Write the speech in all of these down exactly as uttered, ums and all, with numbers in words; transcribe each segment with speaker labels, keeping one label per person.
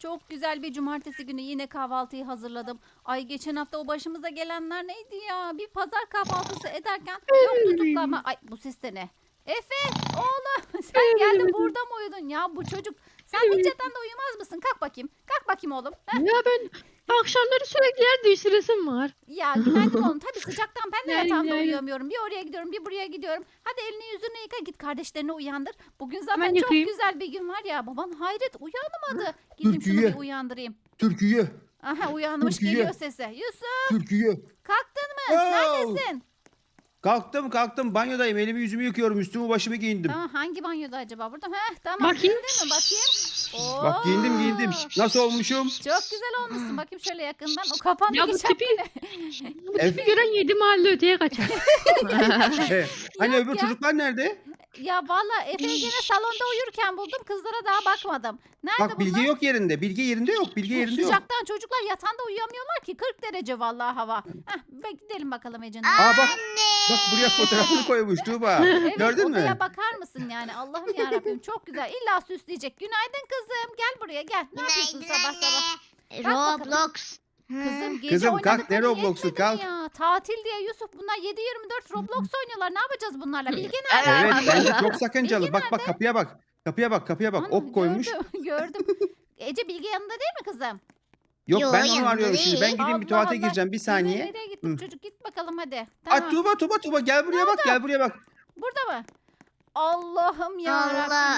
Speaker 1: Çok güzel bir cumartesi günü yine kahvaltıyı hazırladım. Ay geçen hafta o başımıza gelenler neydi ya? Bir pazar kahvaltısı ederken yok tutuklama. Ay bu ses de ne? Efe oğlum sen geldin burada mı uyudun ya bu çocuk? Sen hiç yatağında uyumaz mısın? Kalk bakayım. Kalk bakayım oğlum. Heh.
Speaker 2: Ya ben akşamları sürekli yer değiştiresim var.
Speaker 1: Ya günaydın oğlum. Tabii sıcaktan ben de
Speaker 2: Günaydın,
Speaker 1: yatağımda
Speaker 2: günaydın.
Speaker 1: uyuyamıyorum. Bir oraya gidiyorum bir buraya gidiyorum. Hadi elini yüzünü yıka git kardeşlerini uyandır. Bugün zaten
Speaker 2: Hemen
Speaker 1: çok
Speaker 2: yıkayayım.
Speaker 1: güzel bir gün var ya. Baban hayret uyanmadı. Gideyim şunu
Speaker 3: Türkiye.
Speaker 1: bir uyandırayım.
Speaker 3: Türkiye.
Speaker 1: Aha uyanmış
Speaker 3: Türkiye.
Speaker 1: geliyor sesi. Yusuf
Speaker 3: Türkiye.
Speaker 1: kalktın mı? Neredesin?
Speaker 3: Kalktım kalktım banyodayım. Elimi yüzümü yıkıyorum. Üstümü başımı giyindim.
Speaker 1: Tamam hangi banyoda acaba? Burada mı? Heh, tamam.
Speaker 2: Bakayım.
Speaker 1: Giyindin mi? Bakayım. Oo.
Speaker 3: Bak giyindim giyindim. Nasıl olmuşum?
Speaker 1: Çok güzel olmuşsun. Bakayım şöyle yakından. O kafandaki
Speaker 2: Ya bu
Speaker 1: şapka
Speaker 2: tipi-
Speaker 1: ne?
Speaker 2: Bu tipi gören yedi mahalle öteye kaçar.
Speaker 3: He, hani
Speaker 1: Yok
Speaker 3: öbür
Speaker 1: ya.
Speaker 3: çocuklar nerede?
Speaker 1: Ya valla Efe'yi gene salonda uyurken buldum. Kızlara daha bakmadım. Nerede
Speaker 3: Bak
Speaker 1: bunlar?
Speaker 3: Bilge yok yerinde. Bilge yerinde yok. Bilge yerinde yok.
Speaker 1: Sıcaktan çocuklar yatağında uyuyamıyorlar ki. kırk derece vallahi hava. Heh, be- gidelim bakalım Ece'nin.
Speaker 3: Aa bak. Bak buraya fotoğrafını koymuş Tuğba.
Speaker 1: Evet,
Speaker 3: Gördün mü?
Speaker 1: odaya bakar mısın yani? Allah'ım yarabbim çok güzel. İlla süsleyecek. Günaydın kızım. Gel buraya gel. Ne yapıyorsun
Speaker 4: Günaydın
Speaker 1: sabah sabah?
Speaker 4: anne.
Speaker 1: Bak bakalım.
Speaker 4: Roblox.
Speaker 1: Kızım gece
Speaker 3: Kızım, kalk, ne
Speaker 1: oynadıkları
Speaker 3: Roblox'u,
Speaker 1: yetmedi
Speaker 3: kalk.
Speaker 1: ya. Tatil diye Yusuf bunlar yedi yirmi dört Roblox oynuyorlar. Ne yapacağız bunlarla? Bilge
Speaker 4: Evet.
Speaker 1: nerede?
Speaker 3: Evet bence çok sakıncalı.
Speaker 1: Bilge
Speaker 3: Bak bak kapıya bak. Kapıya bak kapıya bak.
Speaker 1: Ana,
Speaker 3: Ok koymuş.
Speaker 1: Gördüm, gördüm. Ece Bilge yanında değil mi kızım?
Speaker 3: Yok
Speaker 4: Yo,
Speaker 3: ben onu
Speaker 4: yanında
Speaker 3: arıyorum şimdi. Ben
Speaker 4: değil.
Speaker 3: gideyim bir
Speaker 1: Allah
Speaker 3: tuvalete
Speaker 1: Allah.
Speaker 3: gireceğim. Bir
Speaker 1: Yine
Speaker 3: saniye.
Speaker 1: nereye gittin
Speaker 3: Hı.
Speaker 1: çocuk? Git bakalım hadi.
Speaker 3: Ay
Speaker 1: Tamam.
Speaker 3: Tuğba Tuğba Tuğba gel buraya bak. Gel buraya bak.
Speaker 1: Burada mı? Allah'ım ya.
Speaker 4: Allah.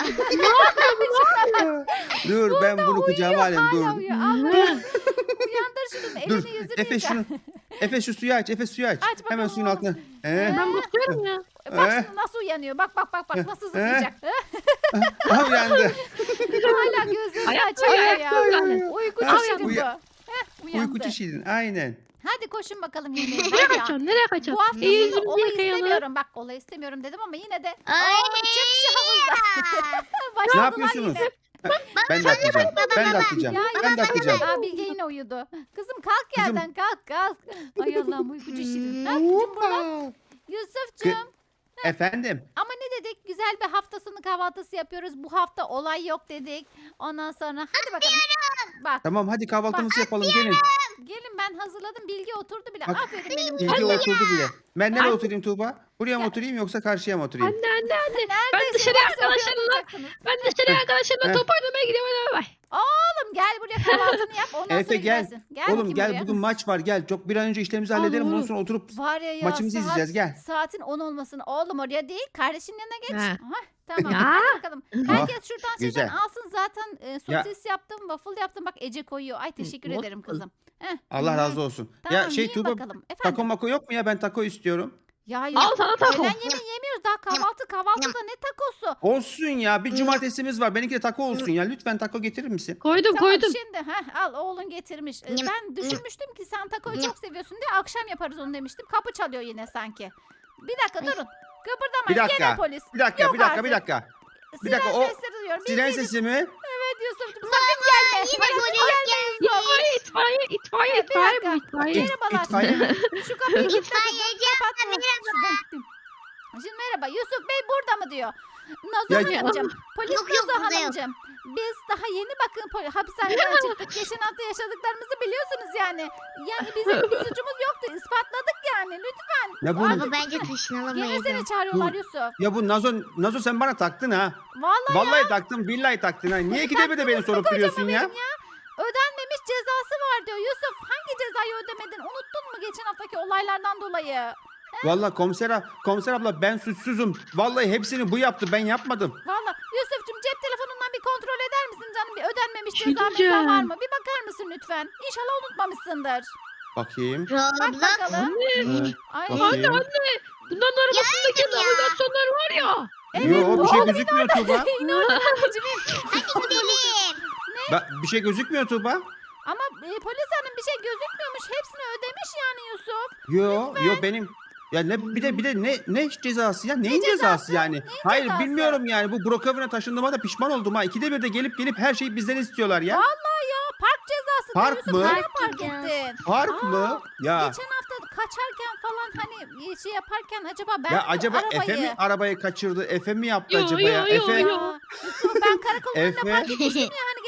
Speaker 3: Dur ben bunu kucağıma alayım
Speaker 1: Hala
Speaker 3: dur.
Speaker 1: uyuyor. Allah'ım. Uyandır şunu. Elini
Speaker 3: Dur.
Speaker 1: yüzünü
Speaker 3: Efe
Speaker 1: yıka.
Speaker 3: şunu. Efe şu suyu aç. Efe suyu aç.
Speaker 1: Aç bakalım
Speaker 3: Hemen suyun
Speaker 1: oğlum.
Speaker 3: altına. Ee,
Speaker 2: Ben bakıyorum ya.
Speaker 1: Bak
Speaker 3: Eh.
Speaker 1: şimdi nasıl uyanıyor. Bak bak bak bak nasıl
Speaker 3: Eh.
Speaker 1: zıplayacak.
Speaker 3: aha uyandı.
Speaker 1: Hala gözlerini
Speaker 2: Ayakta
Speaker 1: açıyor
Speaker 2: ayakta
Speaker 1: ya.
Speaker 2: uyandı.
Speaker 1: Uyku
Speaker 3: Ha,
Speaker 1: çişiydi bu.
Speaker 3: uya-
Speaker 1: Heh, uyandı.
Speaker 3: Uyku çişiydin. Aynen.
Speaker 1: Hadi koşun bakalım yemeğe.
Speaker 2: Nereye
Speaker 1: Var ya,
Speaker 2: kaçacaksın? Nereye kaçacaksın?
Speaker 1: bu hafta
Speaker 2: İyi,
Speaker 1: sonu
Speaker 2: yüzümüzü
Speaker 1: olayı
Speaker 2: yıkayalım.
Speaker 1: istemiyorum. Bak olayı istemiyorum dedim ama yine de.
Speaker 4: Ay.
Speaker 1: Aa, çık şu havuzda.
Speaker 3: Ne
Speaker 1: Başladılar
Speaker 3: yapıyorsunuz?
Speaker 1: yine.
Speaker 3: Ben de atlayacağım. Ben de atlayacağım.
Speaker 1: Ya
Speaker 3: Ben de atlayacağım.
Speaker 1: Aa, Bilge yine uyudu. Kızım kalk
Speaker 3: Kızım.
Speaker 1: yerden kalk kalk. Ay Allah'ım uykucu şirin. Ha, Cumhurbaşkanı Yusuf'cum.
Speaker 3: Efendim.
Speaker 1: Ama ne dedik? Güzel bir hafta sonu kahvaltısı yapıyoruz. Bu hafta olay yok dedik. Ondan sonra hadi bakalım. Bak
Speaker 3: Tamam hadi kahvaltımızı yapalım. Gelin.
Speaker 1: gelin ben hazırladım. Bilge oturdu bile.
Speaker 3: Bak,
Speaker 1: Aferin benim.
Speaker 3: Bilge
Speaker 1: kızıma.
Speaker 3: oturdu bile. Ben nereye
Speaker 2: Anne.
Speaker 3: oturayım Tuğba? Buraya mı
Speaker 1: Ya.
Speaker 3: oturayım yoksa karşıya mı oturayım?
Speaker 2: Anne anne anne. Ben
Speaker 1: Neredeyse
Speaker 2: dışarıya
Speaker 1: yoksa oraya
Speaker 2: arkadaşlarımla
Speaker 1: oturacaksınız.
Speaker 2: ben dışarıya arkadaşlarımla
Speaker 3: Heh.
Speaker 2: top oynamaya gidiyorum. Hadi bay.
Speaker 1: Oğlum gel buraya kahvaltını yap. Ondan
Speaker 3: Efe
Speaker 1: sonra
Speaker 3: gel.
Speaker 1: gidersin. Gel
Speaker 3: Oğlum
Speaker 1: bakayım
Speaker 3: gel
Speaker 1: buraya.
Speaker 3: bugün maç var gel. Çok bir an önce işlerimizi
Speaker 2: Al
Speaker 3: halledelim. Ondan
Speaker 2: oğlum.
Speaker 3: sonra oturup
Speaker 1: Var ya ya
Speaker 3: maçımızı
Speaker 1: saat,
Speaker 3: izleyeceğiz, gel.
Speaker 1: Saatin on olmasın. Oğlum oraya değil. Kardeşinin yanına geç.
Speaker 2: He.
Speaker 1: Aha, tamam.
Speaker 2: Ya.
Speaker 1: Hadi bakalım. Herkes şuradan
Speaker 3: güzel.
Speaker 1: şeyden alsın. Zaten e,
Speaker 3: Ya.
Speaker 1: sosis yaptım. Waffle yaptım. Bak Ece koyuyor. Ay teşekkür
Speaker 2: waffle.
Speaker 1: ederim kızım. Heh.
Speaker 3: Allah razı olsun.
Speaker 1: Tamam
Speaker 3: ya şey
Speaker 1: yiyin
Speaker 3: Tuğba
Speaker 1: bakalım. Efendim.
Speaker 3: taco mako yok mu ya? Ben taco istiyorum.
Speaker 1: Ya
Speaker 2: Al
Speaker 1: Yusuf,
Speaker 2: sana taco.
Speaker 1: öğlen yemeği yemiyoruz. Daha kahvaltı kahvaltıda ne takosu?
Speaker 3: Olsun ya. Bir cumartesimiz var. Benimki de taco olsun ya. Lütfen taco getirir misin?
Speaker 2: Koydum
Speaker 1: Tamam
Speaker 2: koydum.
Speaker 1: şimdi heh, al oğlun getirmiş. Ee,
Speaker 4: Yum,
Speaker 1: Ben düşünmüştüm ki sen takoyu çok seviyorsun diye akşam yaparız onu demiştim. Kapı çalıyor yine sanki. Bir dakika durun. Kıpırdamayın.
Speaker 3: Bir dakika.
Speaker 1: Gene polis.
Speaker 3: Bir dakika,
Speaker 1: Yok
Speaker 3: bir dakika, bir
Speaker 1: artık.
Speaker 3: dakika. Bir
Speaker 1: Siren
Speaker 3: dakika, o
Speaker 1: sesleri duyuyorum.
Speaker 3: Siren
Speaker 1: Bildiğiniz-
Speaker 3: sesi mi?
Speaker 1: Evet Yusuf'cum sakın gelme.
Speaker 4: Yine
Speaker 1: Sakın
Speaker 4: polis
Speaker 1: gelme
Speaker 4: geldi.
Speaker 1: Yusuf.
Speaker 2: İtfaiye itfaiye itfaiye
Speaker 1: Bir
Speaker 2: itfaiye
Speaker 1: dakika.
Speaker 2: bu itfaiye.
Speaker 1: Merhabalar.
Speaker 3: İtfaiye mi?
Speaker 1: Şu kapıyı kilitle kızım.
Speaker 4: İtfaiyeci
Speaker 1: Kapat.
Speaker 4: abla, merhaba.
Speaker 1: Şuradan gittim. Şimdi merhaba Yusuf Bey burada mı diyor. Nazo
Speaker 3: Ya-
Speaker 1: Hanımcığım. Polis
Speaker 4: Yok, yok,
Speaker 1: Nazo
Speaker 4: burada yok.
Speaker 1: Hanımcığım. Biz daha yeni bakın poli- hapishaneden çıktık. Geçen hafta yaşadıklarımızı biliyorsunuz yani. Yani bizim bir suçumuz yoktu. İspatladık yani. Lütfen.
Speaker 3: Ya bu
Speaker 4: Ama bence
Speaker 1: Gene
Speaker 4: taşınalamayız.
Speaker 1: seni çağırıyorlar
Speaker 3: Bu-
Speaker 1: Yusuf.
Speaker 3: ya bu Nazo Nazo sen bana taktın ha.
Speaker 1: Vallahi,
Speaker 3: Vallahi taktın, billahi taktın ha. Niye ikide bir de beni sorup duruyorsun ya?
Speaker 1: ödenmemiş cezası var diyor. Yusuf hangi cezayı ödemedin? Unuttun mu geçen haftaki olaylardan dolayı?
Speaker 3: Vallahi komiser, ab- komiser abla ben suçsuzum. Vallahi hepsini bu yaptı, ben yapmadım.
Speaker 1: Vallahi Yusuf'cum cep telefonundan bir kontrol eder misin canım? Bir ödenmemiş
Speaker 2: Bir şey
Speaker 1: ceza mesela
Speaker 2: diyeceğim.
Speaker 1: var mı? Bir bakar mısın lütfen? İnşallah unutmamışsındır.
Speaker 3: Bakayım.
Speaker 1: Bak
Speaker 4: Roblox.
Speaker 1: bakalım.
Speaker 2: Anne.
Speaker 3: Ee,
Speaker 1: Ay.
Speaker 3: bakayım.
Speaker 2: Bunların arabasındaki
Speaker 4: ya.
Speaker 2: navigasyonlar var ya.
Speaker 1: Evet,
Speaker 3: Yo bir şey
Speaker 1: oğlum,
Speaker 3: gözükmüyor Tuğba.
Speaker 1: Yine orada anneciğim.
Speaker 4: Hadi gidelim.
Speaker 3: Ba- bir şey gözükmüyor Tuğba.
Speaker 1: Ama e, polis hanım bir şey gözükmüyormuş. Hepsini ödemiş yani Yusuf.
Speaker 3: Yo yo benim ya ne bir de bir de ne ne cezası ya? Neyin cezası,
Speaker 1: cezası?
Speaker 3: yani? Hayır
Speaker 1: cezası?
Speaker 3: bilmiyorum yani. Bu Brookhaven'a taşındığıma da pişman oldum ha. İkide bir de gelip gelip her şeyi bizden istiyorlar ya.
Speaker 1: Vallahi ya park cezası. diyor
Speaker 3: Park
Speaker 1: Yusuf.
Speaker 3: mı?
Speaker 1: Nereye
Speaker 4: Park
Speaker 1: park
Speaker 4: cezası.
Speaker 1: ettin?
Speaker 3: Park
Speaker 1: Aa,
Speaker 3: mı? Ya
Speaker 1: Geçen hafta kaçarken falan hani şey yaparken acaba ben
Speaker 3: ya
Speaker 1: mi
Speaker 3: acaba
Speaker 1: arabayı...
Speaker 3: Efe mi arabayı kaçırdı? Efe mi yaptı
Speaker 2: Yo,
Speaker 3: acaba
Speaker 2: yo,
Speaker 3: ya?
Speaker 2: yo,
Speaker 3: Efe
Speaker 2: yo.
Speaker 1: Ya, Yusuf ben karakolun önüne
Speaker 3: Efe-
Speaker 1: park etmiştim ya hani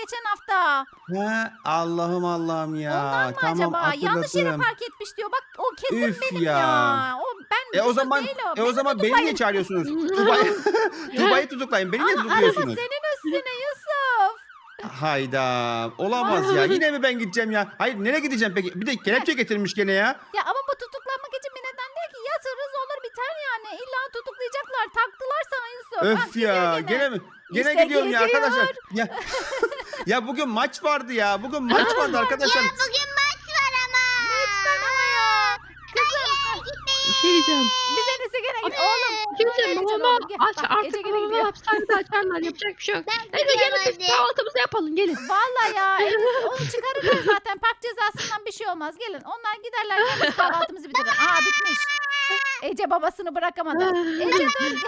Speaker 1: geçen hafta.
Speaker 3: Ha, Allah'ım Allah'ım ya.
Speaker 1: Ondan mı
Speaker 3: Tamam
Speaker 1: acaba? Yanlış yere
Speaker 3: hatırladım.
Speaker 1: park etmiş diyor. Bak o kesin
Speaker 3: Üf
Speaker 1: benim
Speaker 3: ya.
Speaker 1: ya. O ben
Speaker 3: E o
Speaker 1: Yusuf
Speaker 3: zaman
Speaker 1: değil o.
Speaker 3: e o
Speaker 1: Beni
Speaker 3: zaman beni
Speaker 1: tutuklayın.
Speaker 3: niye çağırıyorsunuz? Tuba'yı Tuba'yı tutuklayın. Beni niye
Speaker 1: Aa, araba
Speaker 3: tutukluyorsunuz?
Speaker 1: senin üstüne Yusuf.
Speaker 3: Hayda. Olamaz ya. Yine mi ben gideceğim ya? Hayır nereye gideceğim peki? Bir de kelepçe getirmiş gene ya.
Speaker 1: Ya ama bu tutuklanmak için bir neden değil ki. Yatırırız olur biter yani. İlla tutuklayacaklar. Taktılar sana Yusuf. Ah,
Speaker 3: Öf
Speaker 1: gidiyor
Speaker 3: ya.
Speaker 1: gene.
Speaker 3: Gene mi? Gene
Speaker 1: İşte
Speaker 3: gidiyorum ya
Speaker 1: gidiyor.
Speaker 3: arkadaşlar. Ya ya bugün maç vardı ya. Bugün maç vardı arkadaşlar.
Speaker 4: Bugün maç var ama.
Speaker 1: Lütfen ama ya. Kızım.
Speaker 2: Bir şey diyeceğim.
Speaker 1: Biz en iyisi gene git. Oğlum.
Speaker 2: Kimse
Speaker 1: böyle edeceğim
Speaker 2: babama
Speaker 1: oğlum. Gel.
Speaker 2: aç
Speaker 1: Bak,
Speaker 2: artık
Speaker 1: Ece gene
Speaker 2: babama
Speaker 1: gidiyor.
Speaker 2: hapishanede açarlar. Yapacak bir şey yok.
Speaker 4: Ben
Speaker 2: Neyse gelin
Speaker 4: gidiyorum
Speaker 2: biz
Speaker 4: hadi.
Speaker 2: kahvaltımızı yapalım gelin.
Speaker 1: Vallahi ya. en iyisi onu çıkarırlar zaten. Park cezasından bir şey olmaz. Gelin. Onlar giderler. Biz kahvaltımızı bitirelim. Aa bitmiş. Ece babasını bırakamadı. Ece dur.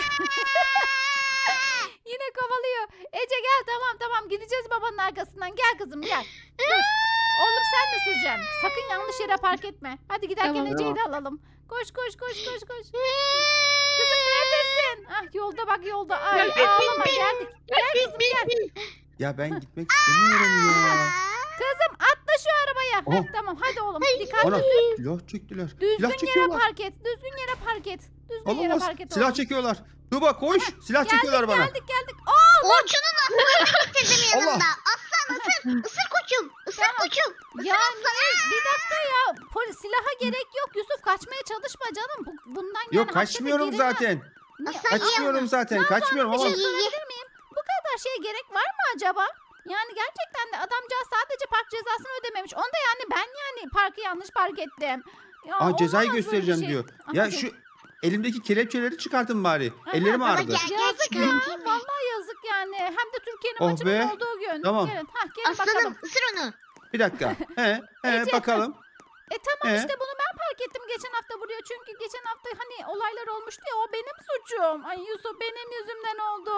Speaker 1: Yine kovalıyor. Ece gel tamam tamam gideceğiz babanın arkasından. Gel kızım gel. Dur. Oğlum sen de süreceksin. Sakın yanlış yere park etme. Hadi giderken
Speaker 2: Tamam.
Speaker 1: Ece'yi de alalım. Koş koş koş koş koş. Kızım neredesin? Ah yolda bak yolda. Ay
Speaker 2: Gel, gel,
Speaker 1: ağlama geldik. Gel kızım gel.
Speaker 3: Ya ben gitmek istemiyorum ya.
Speaker 1: Kızım atla şu arabaya.
Speaker 3: Oha.
Speaker 1: Heh, tamam hadi oğlum dikkatli.
Speaker 3: Ana silah çektiler. Silah
Speaker 1: Düzgün yere
Speaker 3: çekiyorlar.
Speaker 1: park et. Düzgün yere park et. Düzgün yere
Speaker 3: Olamaz.
Speaker 1: park et
Speaker 3: Silah
Speaker 1: oğlum.
Speaker 3: çekiyorlar. Tuba koş. Silah
Speaker 1: Geldik
Speaker 3: çekiyorlar bana.
Speaker 1: geldik geldik. Aa
Speaker 4: Orçun'un aklını getirdim
Speaker 3: Allah.
Speaker 4: yanımda. Aslan ısır. Isır koçum. Isır
Speaker 1: Tamam.
Speaker 4: koçum.
Speaker 1: ya ne? Bir dakika ya. Polis silaha gerek yok. Yusuf kaçmaya çalışma canım. Bu, bundan yani
Speaker 3: Yok
Speaker 1: hapse de
Speaker 3: kaçmıyorum
Speaker 1: girilmez.
Speaker 3: zaten.
Speaker 1: Niye?
Speaker 4: Aslan
Speaker 3: Kaçmıyorum zaten. Kaçmıyorum
Speaker 1: Bir
Speaker 3: ama
Speaker 1: şey sorabilir miyim? Bu kadar şeye gerek var mı acaba? Yani gerçekten de adamcağız sadece park cezasını ödememiş. Onda yani ben yani parkı yanlış park ettim. Ya
Speaker 3: Aa, cezayı
Speaker 1: olamaz böyle bir
Speaker 3: göstereceğim
Speaker 1: şey.
Speaker 3: diyor.
Speaker 1: Aha,
Speaker 3: Ya
Speaker 1: dur.
Speaker 3: şu elimdeki kelepçeleri çıkartın bari.
Speaker 1: Aha,
Speaker 3: Ellerim
Speaker 1: baba
Speaker 3: ağrıdı.
Speaker 4: gel.
Speaker 1: Yazık ya.
Speaker 4: Çıkartayım ben.
Speaker 1: Vallahi yazık yani. Hem de Türkiye'nin
Speaker 3: Oh
Speaker 1: maçının
Speaker 3: be.
Speaker 1: olduğu gün.
Speaker 3: Tamam.
Speaker 1: Gelin. Hah, gelin
Speaker 4: Aslanım
Speaker 1: bakalım.
Speaker 4: ısır onu.
Speaker 3: Bir dakika. He, he
Speaker 1: Ece.
Speaker 3: bakalım.
Speaker 1: E tamam
Speaker 3: Ee?
Speaker 1: işte bunu ben fark ettim geçen hafta buraya. Çünkü geçen hafta hani olaylar olmuştu ya o benim suçum. Ay Yusuf benim yüzümden oldu.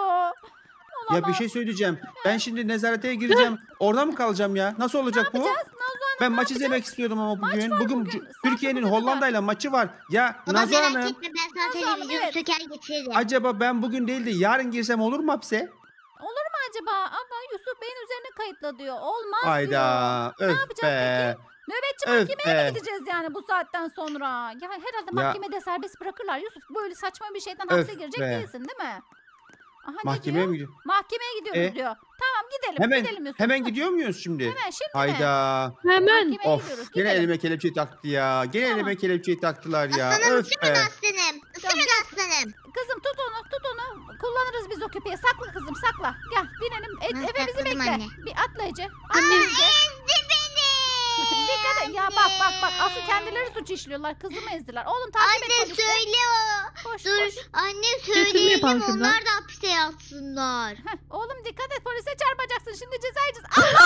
Speaker 3: Ya bir
Speaker 1: Olamaz.
Speaker 3: şey söyleyeceğim. Ben şimdi nezarete gireceğim. Orada mı kalacağım ya? Nasıl olacak bu?
Speaker 1: Yapacağız Nazo Hanım.
Speaker 3: Ben
Speaker 1: ne
Speaker 3: maç
Speaker 1: yapacağız?
Speaker 3: izlemek istiyordum ama bugün.
Speaker 1: var
Speaker 3: Bugün
Speaker 1: bugün.
Speaker 3: cu-
Speaker 1: Saat
Speaker 3: Türkiye'nin
Speaker 1: dokuza kadar.
Speaker 3: Hollanda'yla maçı var. Ya
Speaker 4: Baba
Speaker 3: Nazo
Speaker 4: merak
Speaker 3: Hanım,
Speaker 4: etme ben sana
Speaker 1: Nazo Hanım,
Speaker 4: televizyonu
Speaker 1: evet.
Speaker 4: söker getiririm.
Speaker 3: acaba ben bugün değil de yarın girsem olur mu hapse?
Speaker 1: Olur mu acaba? Ama Yusuf Bey'in üzerine kayıtla diyor. Olmaz diyor.
Speaker 3: Hayda.
Speaker 1: Ne
Speaker 3: Öf
Speaker 1: yapacağız
Speaker 3: be.
Speaker 1: Nöbetçi
Speaker 3: Öf
Speaker 1: mahkemeye mi
Speaker 3: be.
Speaker 1: gideceğiz yani bu saatten sonra? Ya herhalde
Speaker 3: Ya.
Speaker 1: mahkemede serbest bırakırlar. Yusuf böyle saçma bir şeyden
Speaker 3: Öf
Speaker 1: hapse girecek
Speaker 3: be.
Speaker 1: değilsin değil mi? Aha, ne
Speaker 3: Mahkemeye
Speaker 1: diyor?
Speaker 3: mi gidiyor?
Speaker 1: Mahkemeye gidiyoruz
Speaker 3: E?
Speaker 1: diyor. Tamam gidelim
Speaker 3: Hemen
Speaker 1: gidelim Yusuf.
Speaker 3: hemen
Speaker 1: Hı.
Speaker 3: gidiyor muyuz şimdi?
Speaker 1: Hemen şimdi mi?
Speaker 3: Hayda.
Speaker 2: Hemen.
Speaker 1: Mahkemeye
Speaker 3: Of.
Speaker 1: gidiyoruz.
Speaker 3: Gene
Speaker 1: Gidelim.
Speaker 3: elime kelepçeyi taktı ya. Gene
Speaker 1: Tamam.
Speaker 3: elime kelepçeyi taktılar ya.
Speaker 4: Aslanım
Speaker 3: Öf
Speaker 4: ısırın
Speaker 3: be.
Speaker 4: aslanım. Isırın aslanım.
Speaker 1: Kızım tut onu tut onu. Kullanırız biz o köpeği. Sakla kızım sakla. Gel binelim. E,
Speaker 4: Hı,
Speaker 1: Efe bizi
Speaker 4: sakladım
Speaker 1: bekle.
Speaker 4: anne.
Speaker 1: Bir atla Ece. Atla
Speaker 2: Anne.
Speaker 1: Ece.
Speaker 4: Ezdi beni.
Speaker 1: Dikkat et. Ya bak bak bak. Asıl kendileri suç işliyorlar. Kızımı ezdiler. Oğlum takip et
Speaker 4: Anne
Speaker 1: polisi.
Speaker 4: söyle o.
Speaker 1: Koş
Speaker 4: Dur
Speaker 1: koş.
Speaker 4: anne
Speaker 2: Sesini
Speaker 4: söyleyelim
Speaker 2: yapalım şuradan.
Speaker 4: onlar da hapse yatsınlar.
Speaker 1: Heh, oğlum dikkat et polise çarpacaksın. Şimdi ceza yiyeceğiz. Allah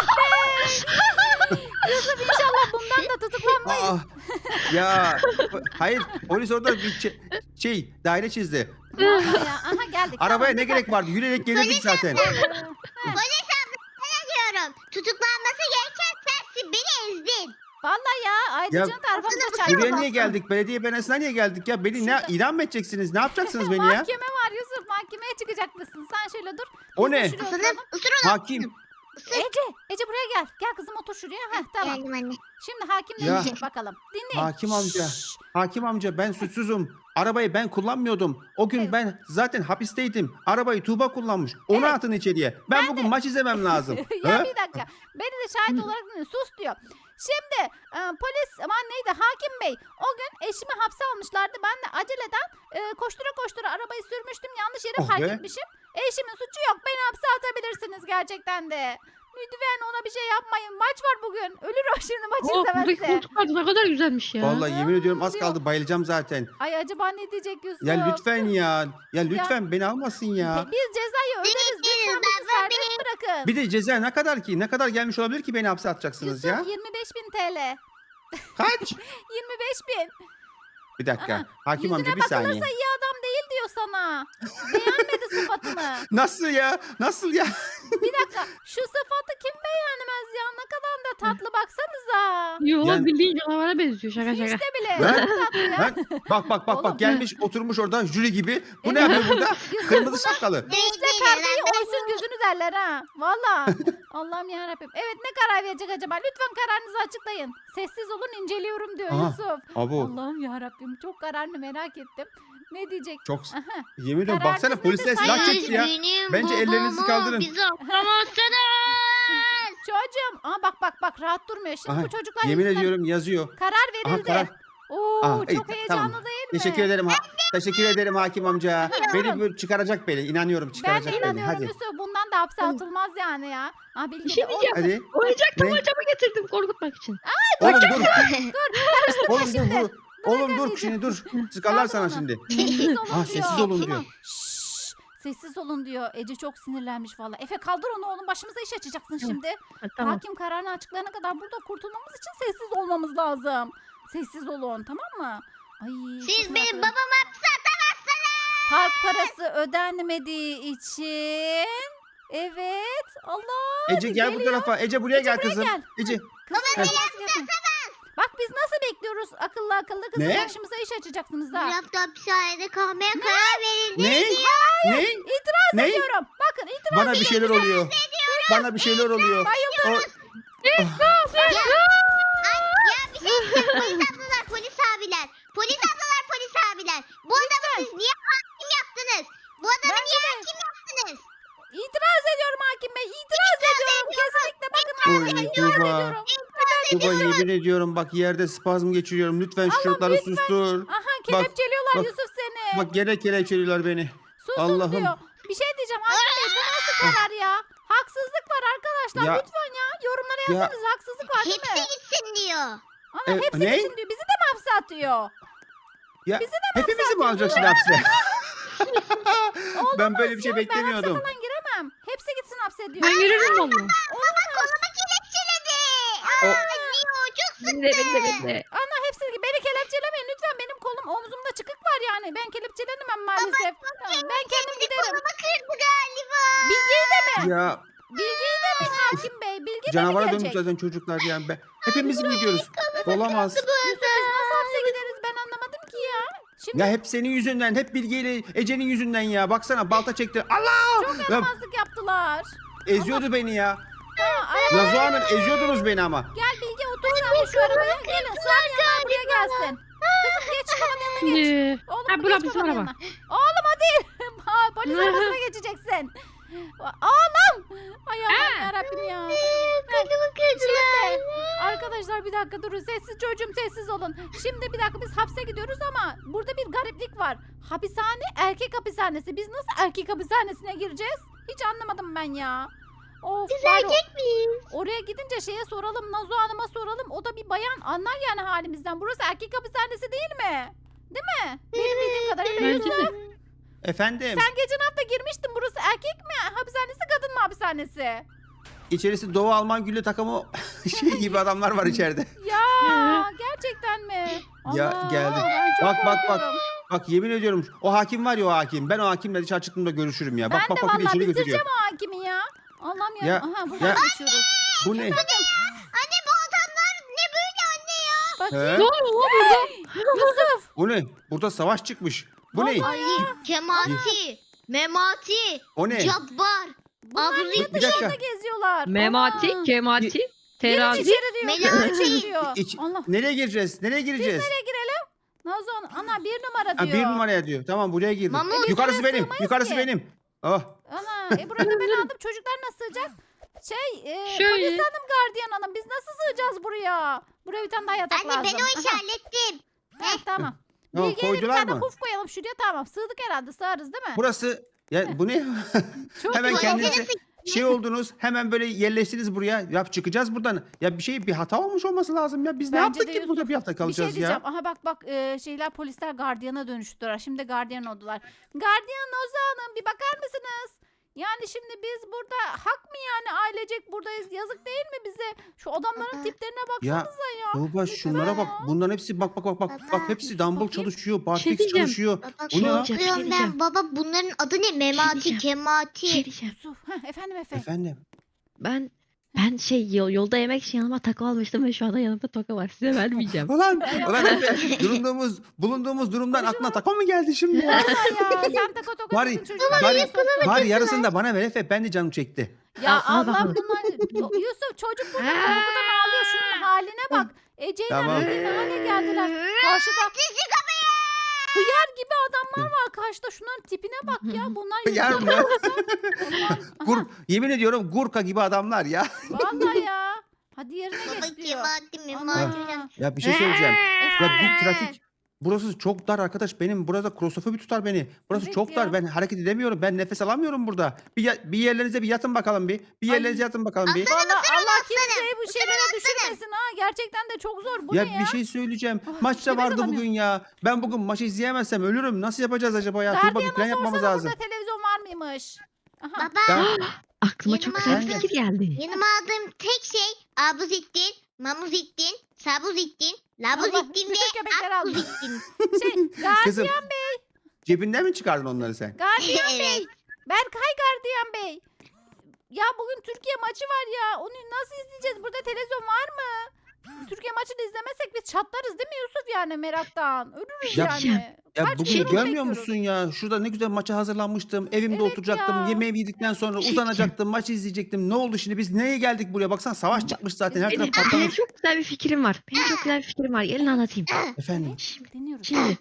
Speaker 1: be. Yusuf inşallah bundan da tutuklanmayız.
Speaker 3: Aa, ya hayır polis orada bir şey, şey daire çizdi.
Speaker 1: Vallahi ya. Aha geldik.
Speaker 3: Arabaya
Speaker 1: Tamam,
Speaker 3: ne
Speaker 1: dikkat-
Speaker 3: gerek vardı? Yürüyerek gelirdik zaten.
Speaker 1: Heh.
Speaker 4: Polis abla sana diyorum. Tutuklanması gereken sensin beni ezdin.
Speaker 1: Vallahi ya Aydıcı'nın da arabamıza
Speaker 4: aslında
Speaker 1: çarptı.
Speaker 3: Buraya niye geldik? Belediye binasına niye geldik ya? Beni ne
Speaker 1: Şurada-
Speaker 3: idam mı edeceksiniz? Ne yapacaksınız beni ya?
Speaker 1: Mahkeme var Yusuf. Mahkemeye çıkacak mısın? Sen şöyle dur.
Speaker 3: O
Speaker 1: Biz de
Speaker 3: ne?
Speaker 1: şuraya
Speaker 4: Aslanım
Speaker 1: oturalım.
Speaker 4: ısır onu.
Speaker 3: Hakim.
Speaker 1: Ece, Ece buraya gel. Gel kızım otur şuraya. Heh, tamam.
Speaker 4: Geldim anne.
Speaker 1: Şimdi hakim ne
Speaker 3: Ya.
Speaker 1: diyecek bakalım. Dinleyin.
Speaker 3: Hakim amca.
Speaker 1: Şşş.
Speaker 3: Hakim amca ben suçsuzum. Arabayı ben kullanmıyordum. O gün
Speaker 1: Evet.
Speaker 3: ben zaten hapisteydim. Arabayı Tuğba kullanmış. Onu
Speaker 1: Evet.
Speaker 3: atın içeriye. Ben,
Speaker 1: Ben
Speaker 3: bugün maç izlemem lazım.
Speaker 1: ya
Speaker 3: Ha?
Speaker 1: bir dakika. Beni de şahit olarak dinle. Sus diyor. Şimdi e, polis aman neydi hakim bey o gün eşimi hapse almışlardı. Ben de aceleden e, koştura koştura arabayı sürmüştüm. Yanlış yere
Speaker 3: Oh
Speaker 1: park
Speaker 3: be.
Speaker 1: etmişim. Eşimin suçu yok. Beni hapse atabilirsiniz gerçekten de. Lütfen ona bir şey yapmayın. Maç var bugün. Ölür o şimdi maç
Speaker 2: Oh buradaki
Speaker 1: izlemezse.
Speaker 2: koltuklar da ne kadar güzelmiş ya.
Speaker 3: Vallahi yemin ediyorum az
Speaker 1: diyor.
Speaker 3: kaldı bayılacağım zaten.
Speaker 1: Ay acaba ne diyecek Yusuf?
Speaker 3: Ya lütfen ya. Ya lütfen beni almasın ya.
Speaker 1: Biz cezayı öderiz.
Speaker 4: Değiliz,
Speaker 1: Lütfen bizi
Speaker 4: baba,
Speaker 1: serbest bırakın.
Speaker 3: Bir de ceza ne kadar ki? Ne kadar gelmiş olabilir ki beni hapse atacaksınız
Speaker 1: Yusuf
Speaker 3: ya?
Speaker 1: yirmi beş bin T L.
Speaker 3: Kaç?
Speaker 1: yirmi beş bin.
Speaker 3: Bir dakika.
Speaker 1: Aha,
Speaker 3: Hakim
Speaker 1: Yüzüne
Speaker 3: amca bir saniye.
Speaker 1: bakılırsa iyi adam değil diyor sana. Beğenmedi sıfatını.
Speaker 3: Nasıl ya? Nasıl ya?
Speaker 1: Bir dakika şu sıfatı kim beğenmez ya? Ne kadar da tatlı baksanıza.
Speaker 2: Yo
Speaker 3: Yani-
Speaker 2: bildiğin canavara benziyor şaka
Speaker 1: Hiç
Speaker 2: şaka.
Speaker 1: de bile.
Speaker 3: Ben-
Speaker 1: Çok tatlı ya.
Speaker 3: Lan, bak bak bak
Speaker 1: Oğlum.
Speaker 3: bak gelmiş oturmuş orada jüri gibi. Bu ne
Speaker 1: Evet.
Speaker 3: yapıyor burada?
Speaker 1: Yusuf,
Speaker 3: Kırmızı şapkalı.
Speaker 1: Nesle kargayı oysun gözünü derler ha. Valla. Allah'ım yarabbim. Evet ne karar verecek acaba? Lütfen kararınızı açıklayın. Sessiz olun inceliyorum diyor
Speaker 3: Aha,
Speaker 1: Yusuf.
Speaker 3: Abo
Speaker 1: Allah'ım yarabbim çok kararını merak ettim. Ne diyecek?
Speaker 3: çok
Speaker 1: Aha.
Speaker 3: yemin ediyorum
Speaker 1: Kararınız
Speaker 3: baksana
Speaker 1: nedir
Speaker 3: polisler silah
Speaker 1: sayın?
Speaker 3: çekti ya.
Speaker 4: Üzgünüm
Speaker 3: Bence ellerinizi
Speaker 4: babamı,
Speaker 3: kaldırın.
Speaker 4: Bizi atlamazsınız.
Speaker 1: Çocuğum. Aa bak bak bak rahat durmuyor. Şimdi
Speaker 3: Aha,
Speaker 1: bu çocuklar
Speaker 3: yemin
Speaker 1: yüzünden
Speaker 3: ediyorum yazıyor.
Speaker 1: karar
Speaker 3: Aha
Speaker 1: verildi.
Speaker 3: karar.
Speaker 1: Oo
Speaker 3: Aa, iyi,
Speaker 1: çok heyecanlı
Speaker 3: tamam.
Speaker 1: değil mi?
Speaker 3: Teşekkür ederim. Ha, teşekkür ederim hakim amca. Beni böyle çıkaracak beni. İnanıyorum
Speaker 1: Ben de
Speaker 3: çıkaracak beni.
Speaker 1: inanıyorum
Speaker 3: Hadi.
Speaker 1: Yusuf. Bundan da hapse atılmaz yani ya. Ha
Speaker 2: Bir
Speaker 1: bilgi
Speaker 2: şey
Speaker 1: de-
Speaker 2: diyeceğim.
Speaker 3: Hadi.
Speaker 2: Oyuncak
Speaker 3: Ne?
Speaker 2: tabancamı getirdim korkutmak için.
Speaker 3: Oğlum dur.
Speaker 1: Karıştırma
Speaker 3: Oğlum dur.
Speaker 1: şimdi.
Speaker 3: dur. Oğlum dur
Speaker 1: anneciğim.
Speaker 3: şimdi dur. Sıkarlar sana
Speaker 1: onu.
Speaker 3: şimdi.
Speaker 1: Sessiz olun
Speaker 3: Ha
Speaker 1: diyor.
Speaker 3: sessiz olun diyor.
Speaker 1: Şşş, sessiz olun diyor. Ece çok sinirlenmiş valla. Efe kaldır onu oğlum başımıza iş açacaksın şimdi.
Speaker 2: Ha, tamam.
Speaker 1: Hakim kararını açıklayana kadar burada kurtulmamız için sessiz olmamız lazım. Sessiz olun tamam mı? Ay,
Speaker 4: Siz
Speaker 1: çok
Speaker 4: benim
Speaker 1: merak
Speaker 4: babamı hapse atamazsınız.
Speaker 1: Park parası ödenmediği için. Evet. Allah.
Speaker 3: Ece gel bu
Speaker 1: geliyor.
Speaker 3: tarafa. Ece buraya gel
Speaker 1: buraya
Speaker 3: kızım.
Speaker 1: gel.
Speaker 3: Ece.
Speaker 1: Kızım
Speaker 3: Heh.
Speaker 1: nasıl yapın? Bak biz nasıl bekliyoruz akıllı akıllı kızım
Speaker 3: Ne?
Speaker 1: başımıza iş açacaksınız
Speaker 4: Bir
Speaker 1: ha.
Speaker 4: hafta hapishanede kalmaya karar verildi.
Speaker 3: Ne? Ne?
Speaker 1: İtiraz
Speaker 3: Ne?
Speaker 1: ediyorum. Bakın itiraz
Speaker 3: Bana bir şeyler oluyor. Bana bir şeyler oluyor. O-
Speaker 4: Ay, ya bir şey diyeceğim. Polis ablalar, polis abiler. Polis ablalar, polis abiler. Bu adamı siz niye hakim yaptınız? Bu adamı niye hakim yaptınız?
Speaker 1: İtiraz ediyorum hakim bey. İtiraz ediyorum. Kesinlikle bakın
Speaker 3: Oy,
Speaker 1: hala itiraz
Speaker 3: Tuba.
Speaker 1: ediyorum.
Speaker 3: Tuba yemin ediyorum bak yerde spazm geçiriyorum. Lütfen şu çocukları sustur.
Speaker 1: Aha kelepçeliyorlar
Speaker 3: bak.
Speaker 1: Yusuf seni.
Speaker 3: Bak gene kelepçeliyorlar beni.
Speaker 1: Susun
Speaker 3: Allah'ım.
Speaker 1: diyor. Bir şey diyeceğim hakim bey bu nasıl karar ya? Haksızlık var arkadaşlar
Speaker 3: Ya-
Speaker 1: lütfen ya. Yorumlara
Speaker 3: Ya-
Speaker 1: yazsanız haksızlık var değil
Speaker 4: Hepsi
Speaker 1: mi?
Speaker 4: gitsin diyor.
Speaker 1: Ana
Speaker 3: E,
Speaker 1: hepsi
Speaker 3: ne?
Speaker 1: gitsin diyor. Bizi de mi hapse atıyor?
Speaker 3: Ya
Speaker 1: Bizi de mi
Speaker 3: hepimizi
Speaker 1: hapse
Speaker 3: mi
Speaker 1: atıyor?
Speaker 3: alacaksın hapse? ben böyle bir şey
Speaker 1: Ya, Ben
Speaker 3: beklemiyordum.
Speaker 1: hapse falan giremem. Hepsi gitsin hapse diyor.
Speaker 2: Ben girerim valla.
Speaker 4: Kolumu kelepçeledi.
Speaker 3: O-
Speaker 4: Aa, diyor, çok
Speaker 2: Ben de ben de ben de.
Speaker 1: Ana hepsi beni kelepçelemeyin lütfen benim kolum omzumda çıkık var yani. Ben kelepçelenemem maalesef. Tamam, ben kendim giderim.
Speaker 4: kolumu kırdı galiba.
Speaker 1: Bilgeyi de mi?
Speaker 3: Ya
Speaker 1: Bilgeyi de mi hakim bey? Bilge de mi
Speaker 3: canavara dönmüş
Speaker 1: gelecek?
Speaker 3: zaten çocuklar yani. Ben, hepimiz mi gidiyoruz? Olamaz.
Speaker 1: Yusuf biz nasıl hapse gideriz ben anlamadım ki ya. Şimdi
Speaker 3: Ya hep senin yüzünden, hep Bilge ile Ece'nin yüzünden ya. Baksana balta çekti. Allah! Ya,
Speaker 1: yaramazlık yaptılar.
Speaker 3: eziyordu beni ya.
Speaker 1: Ha, araba,
Speaker 3: Nazo Hanım eziyordunuz beni ama.
Speaker 1: gel Bilge otur sen de şu arabaya. Gelin sığamayanlar buraya gelsin. Kızım geç babanın yanına geç.
Speaker 2: Şimdi.
Speaker 1: Oğlum
Speaker 2: Ha,
Speaker 1: geç
Speaker 2: bura bizim
Speaker 1: babanın
Speaker 2: araba.
Speaker 1: yanına. Oğlum hadi. Ha, polis arabasına geçeceksin. Oğlum. Ay Allah'ım yarabbim ya.
Speaker 4: Kolumu kırdılar.
Speaker 1: Şimdi arkadaşlar bir dakika durun sessiz çocuğum sessiz olun. Şimdi bir dakika biz hapse gidiyoruz ama burada bir gariplik var. Hapishane erkek hapishanesi. Biz nasıl erkek hapishanesine gireceğiz? Hiç anlamadım ben ya. Of,
Speaker 4: Biz
Speaker 1: bari
Speaker 4: erkek miyiz?
Speaker 1: oraya gidince şeye soralım Nazo Hanım'a soralım. O da bir bayan anlar yani halimizden. Burası erkek hapishanesi değil mi? Değil mi? Benim bildiğim kadarıyla
Speaker 2: Bence
Speaker 1: Yusuf.
Speaker 2: de.
Speaker 3: Efendim,
Speaker 1: Sen geçen hafta girmiştin. Burası erkek mi hapishanesi kadın mı hapishanesi?
Speaker 3: içerisi Doğu Alman gülle takımı şey gibi adamlar var içeride.
Speaker 1: Ya gerçekten mi?
Speaker 3: Ya,
Speaker 1: Allah,
Speaker 3: geldim.
Speaker 1: ben çok
Speaker 3: Bak, bak, bak.
Speaker 1: korkuyorum.
Speaker 3: Bak yemin ediyorum o hakim var ya o hakim. Ben o hakimle dışarı çıktığımda görüşürüm ya. Bak
Speaker 1: Ben
Speaker 3: bak
Speaker 1: de
Speaker 3: bak bir de
Speaker 1: vallahi
Speaker 3: içeri
Speaker 1: bitireceğim
Speaker 3: götürüyor.
Speaker 1: o hakimi ya. Allah'ım ya.
Speaker 3: Ya,
Speaker 1: Aha buradan
Speaker 3: ya.
Speaker 1: geçiyoruz.
Speaker 3: Bu ne?
Speaker 4: Anne bu adamlar ne böyle anne ya?
Speaker 1: Bakayım.
Speaker 3: He?
Speaker 2: Ne oluyor lan burada?
Speaker 1: Yusuf.
Speaker 3: Bu ne? Burada savaş çıkmış. Bu ne?
Speaker 1: Vallahi
Speaker 4: Ali, Cemati, Memati,
Speaker 3: O ne?
Speaker 4: Cabbar,
Speaker 1: Bunlar
Speaker 4: Abri,
Speaker 1: niye
Speaker 3: Bir dakika.
Speaker 1: dışarıda geziyorlar?
Speaker 2: Memati,
Speaker 1: Aa.
Speaker 2: Kemati,
Speaker 1: Girin
Speaker 2: Terazi.
Speaker 1: içeri diyor.
Speaker 4: Melati.
Speaker 1: Girin içeri diyor.
Speaker 3: İç-
Speaker 1: Allah.
Speaker 3: Nereye gireceğiz? Nereye gireceğiz?
Speaker 1: Nereye girelim? Nazon ana bir numara
Speaker 3: Ha,
Speaker 1: diyor.
Speaker 3: bir numaraya diyor. Tamam buraya girdim.
Speaker 4: Mamut.
Speaker 3: Yukarısı
Speaker 1: Buraya
Speaker 3: benim.
Speaker 1: sığmayız
Speaker 3: Yukarısı
Speaker 1: ki.
Speaker 3: benim. Oh.
Speaker 1: Ana e burada ben aldım. Çocuklar nasıl sığacak? Şey e,
Speaker 2: Şöyle.
Speaker 1: polis hanım gardiyan hanım biz nasıl sığacağız buraya? Buraya bir tane daha yatak
Speaker 4: Anne
Speaker 1: lazım.
Speaker 4: ben o işi
Speaker 1: Aha.
Speaker 4: hallettim.
Speaker 1: Heh, tamam.
Speaker 3: Ne o,
Speaker 1: Bilge'ye de bir
Speaker 3: koydular
Speaker 1: tane
Speaker 3: mı?
Speaker 1: puf koyalım şuraya tamam. Sığdık herhalde sığarız değil mi?
Speaker 3: Burası ya bu ne?
Speaker 1: Çok
Speaker 3: Hemen
Speaker 1: güzel.
Speaker 3: kendinize şey oldunuz. Hemen böyle yerleştiniz buraya. Ya çıkacağız buradan. Ya bir şey bir hata olmuş olması lazım ya. Biz ne
Speaker 1: Bence
Speaker 3: yaptık
Speaker 1: de
Speaker 3: ki
Speaker 1: Yusuf.
Speaker 3: burada bir hafta
Speaker 1: Bir şey
Speaker 3: kalacağız
Speaker 1: diyeceğim.
Speaker 3: ya?
Speaker 1: Aha bak bak e, şeyler polisler gardiyana dönüştüler. Şimdi gardiyan oldular. Gardiyan Oza Hanım bir bakar mısınız? Yani şimdi biz burada hak mı yani ailecek buradayız? Yazık değil mi bize? Şu adamların
Speaker 4: Aa.
Speaker 1: tiplerine
Speaker 3: Ya
Speaker 1: baksanıza ya.
Speaker 3: Tuğba şunlara bak. Bunların hepsi bak bak bak bak. Bak hepsi dumbbell çalışıyor. Barfix
Speaker 2: diyeceğim.
Speaker 3: çalışıyor.
Speaker 4: Baba
Speaker 3: Bu ne lan?
Speaker 2: Bir şey
Speaker 4: korkuyorum
Speaker 2: diyeceğim.
Speaker 4: ben. Baba bunların adı ne? Memati,
Speaker 2: diyeceğim. Bir
Speaker 4: Kemati.
Speaker 2: şey diyeceğim.
Speaker 1: Yusuf. Heh, efendim Efe.
Speaker 3: Efendim.
Speaker 2: Ben Ben şey yol- yolda yemek için yanıma taco almıştım ve şu anda yanımda toka var. Size vermeyeceğim.
Speaker 3: Ulan, ulan Efe, durumduğumuz, bulunduğumuz durumdan aklına takma mı geldi şimdi ya?
Speaker 1: Vallahi ya sen taka toka
Speaker 3: Bari-
Speaker 1: dedin çocuklar.
Speaker 3: bari-
Speaker 1: araya soktun.
Speaker 3: Bari yarısını da bana ver Efe, ben de canım çekti.
Speaker 1: Ya
Speaker 2: Al, al
Speaker 1: Allah
Speaker 2: bakalım.
Speaker 1: bunlar. Yusuf çocuk burada korkudan ağlıyor. Şunun haline bak. Ece'yle
Speaker 3: Tamam.
Speaker 1: Emre ne hale geldiler. Karşıda
Speaker 4: Sizi kapıyı.
Speaker 1: hıyar gibi adamlar var karşıda. Şunların tipine bak ya. Bunlar
Speaker 3: Hıyar
Speaker 1: yüzünden
Speaker 3: mı?
Speaker 1: olsa- Allah'ım.
Speaker 3: Gur,
Speaker 1: Aha,
Speaker 3: yemin ediyorum Gurka gibi adamlar ya.
Speaker 1: vallahi ya. Hadi yerine
Speaker 4: Baba
Speaker 1: geç diyor.
Speaker 4: Kemal'dim
Speaker 1: Ana.
Speaker 4: Kemal'dim.
Speaker 3: Ya bir şey söyleyeceğim. Ya
Speaker 1: Efendim?
Speaker 3: bir trafik. Burası çok dar arkadaş. Benim burada klostrofobi tutar beni. Burası
Speaker 1: Evet
Speaker 3: çok
Speaker 1: ya.
Speaker 3: dar. Ben hareket edemiyorum. Ben nefes alamıyorum burada. Bir, ya- bir yerlerinize bir yatın bakalım bir. Bir
Speaker 1: Ay.
Speaker 3: yerlerinize yatın bakalım bir.
Speaker 1: Vallahi Allah
Speaker 4: aslanım.
Speaker 1: kimseyi bu şeylere
Speaker 4: aslanım.
Speaker 1: düşürmesin ha. Gerçekten de çok zor. Bu
Speaker 3: Ya
Speaker 1: ne ya?
Speaker 3: bir şey söyleyeceğim.
Speaker 1: Ah,
Speaker 3: Maç da
Speaker 1: nefes
Speaker 3: vardı
Speaker 1: alamıyorum.
Speaker 3: bugün ya. Ben bugün maçı izleyemezsem ölürüm. Nasıl yapacağız acaba ya? Tuğba bir plan
Speaker 1: Gardiyan'a
Speaker 3: yapmamız
Speaker 1: sorsana
Speaker 3: lazım.
Speaker 1: burada televizyon var mıymış? Aha.
Speaker 4: Baba
Speaker 3: Ya,
Speaker 2: Aklıma çok güzel bir
Speaker 3: Yanıma-
Speaker 2: fikir geldi.
Speaker 4: yanıma aldığım tek şey abuzittin, mamuzittin, sabuzittin,
Speaker 1: Allah,
Speaker 4: labuzittin ve
Speaker 1: bütün köpekleri almış.
Speaker 4: akuzittin.
Speaker 1: Şey, gardiyan,
Speaker 3: kızım cebinden mi çıkardın onları sen?
Speaker 1: gardiyan
Speaker 4: Evet.
Speaker 1: bey. Berkay gardiyan bey. Ya bugün Türkiye maçı var ya. Onu nasıl izleyeceğiz? Burada televizyon var mı? Türkiye maçını izlemezsek biz çatlarız değil mi Yusuf yani meraktan? Ölürüz
Speaker 3: Ya-
Speaker 1: yani.
Speaker 3: Ya
Speaker 1: Kaç
Speaker 3: bugün
Speaker 1: gündür onu
Speaker 3: görmüyor
Speaker 1: bekliyoruz.
Speaker 3: musun ya? Şurada ne güzel maça hazırlanmıştım. Evimde
Speaker 1: Evet
Speaker 3: oturacaktım.
Speaker 1: ya.
Speaker 3: Yemeğimi yedikten sonra uzanacaktım. Maçı izleyecektim. Ne oldu şimdi? Biz neye geldik buraya? Baksana savaş çıkmış zaten. Her taraf
Speaker 2: Benim, benim
Speaker 3: patlamış.
Speaker 2: çok güzel bir fikrim var. Benim çok güzel bir fikrim var. Gelin anlatayım.
Speaker 3: Efendim.
Speaker 1: Evet, dinliyoruz.
Speaker 2: Şimdi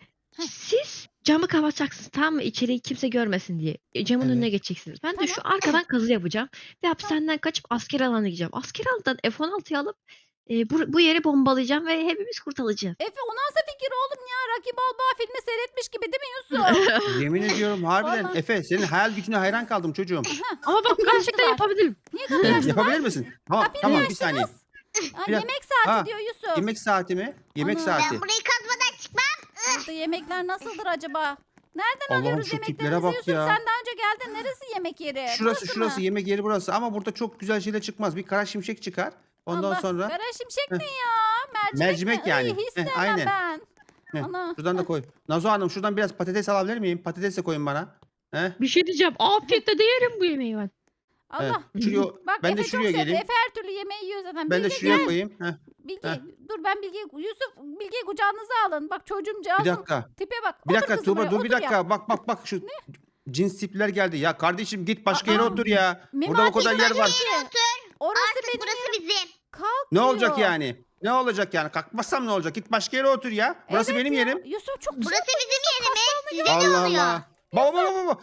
Speaker 2: siz camı kapatacaksınız tamam mı? İçeriği kimse görmesin diye. E, Camın
Speaker 3: Evet.
Speaker 2: önüne geçeceksiniz. Ben de şu arkadan kazı yapacağım. Ve hapishaneden kaçıp asker alanına gideceğim. Asker alanından F on altıyı alıp e, bu, bu yeri bombalayacağım ve hepimiz kurtulacağız.
Speaker 1: Efe o nasıl fikir oğlum ya? Rocky Balboa filmi seyretmiş gibi değil mi Yusuf?
Speaker 3: Yemin ediyorum harbiden.
Speaker 1: Vallahi.
Speaker 3: Efe senin hayal gücünü hayran kaldım çocuğum.
Speaker 2: Ama bak gerçekten
Speaker 1: açtılar.
Speaker 2: yapabilirim.
Speaker 1: Niye kapıyı açtılar?
Speaker 3: Yapabilir misin? Tamam
Speaker 1: Kapıyı
Speaker 3: tamam
Speaker 1: niye
Speaker 3: bir saniye.
Speaker 1: açtınız? Ha,
Speaker 3: Bir dakika.
Speaker 1: yemek saati
Speaker 3: Ha,
Speaker 1: diyor Yusuf.
Speaker 3: Yemek saati mi? Yemek
Speaker 1: Ana.
Speaker 3: saati.
Speaker 4: Ben burayı kazmadan çıkmam.
Speaker 1: Burada yemekler nasıldır acaba? Nereden
Speaker 3: Allah'ım
Speaker 1: alıyoruz
Speaker 3: şu tiplere
Speaker 1: yemeklerimizi
Speaker 3: bak
Speaker 1: Yusuf?
Speaker 3: ya.
Speaker 1: Sen daha önce geldin. Neresi yemek yeri?
Speaker 3: Şurası
Speaker 1: Burası
Speaker 3: şurası
Speaker 1: mı?
Speaker 3: yemek yeri burası ama burada çok güzel şeyler çıkmaz. Bir kara şimşek çıkar. Ondan
Speaker 1: Allah,
Speaker 3: sonra
Speaker 1: Kara şimşek
Speaker 3: Heh.
Speaker 1: ne ya? Mercimek,
Speaker 3: Mercimek
Speaker 1: mi?
Speaker 3: yani.
Speaker 1: Iy, hiç
Speaker 3: Heh,
Speaker 1: sevmem
Speaker 3: aynen.
Speaker 1: ben.
Speaker 3: Heh,
Speaker 1: Ana.
Speaker 3: şuradan da koy. Nazo Hanım şuradan biraz patates alabilir miyim? Patates de koyun bana. He?
Speaker 2: Bir şey diyeceğim. Afiyetle de yerim bu yemeği ben.
Speaker 1: Allah.
Speaker 3: Evet. Şuraya,
Speaker 1: Bak
Speaker 3: ben
Speaker 1: Efe
Speaker 3: de
Speaker 1: çok
Speaker 3: şuraya
Speaker 1: sevdi.
Speaker 3: geleyim.
Speaker 1: Efe her türlü yemeği yiyor zaten.
Speaker 3: Ben de
Speaker 1: Bilge
Speaker 3: şuraya
Speaker 1: gel.
Speaker 3: koyayım. Heh,
Speaker 1: Bilge
Speaker 3: Heh.
Speaker 1: dur ben Bilge Yusuf Bilge kucağınıza alın. Bak çocuğum
Speaker 3: bir
Speaker 1: cihazım.
Speaker 3: dakika.
Speaker 1: Tipe bak.
Speaker 3: Bir
Speaker 1: Otur
Speaker 3: dakika
Speaker 1: kızım
Speaker 3: Tuğba
Speaker 1: oraya,
Speaker 3: dur bir
Speaker 1: otur ya.
Speaker 3: dakika. Bak bak bak şu cins tipler geldi. Ya kardeşim git başka yere
Speaker 1: Aa,
Speaker 3: otur ya. Burada o
Speaker 1: Memati
Speaker 3: kadar yer var.
Speaker 1: Otur. Orası
Speaker 4: Artık
Speaker 1: benim
Speaker 4: burası
Speaker 1: yerim.
Speaker 4: bizim.
Speaker 1: Kalk
Speaker 3: Ne olacak
Speaker 1: diyor.
Speaker 3: yani? Ne olacak yani? Kalkmazsam ne olacak? Git başka yere otur ya. Burası
Speaker 1: Evet
Speaker 3: benim
Speaker 1: ya.
Speaker 3: yerim.
Speaker 1: Yusuf çok
Speaker 4: Burası bizim yerimiz. Size ne
Speaker 3: Allah
Speaker 4: oluyor?
Speaker 3: Allah. Baba baba baba.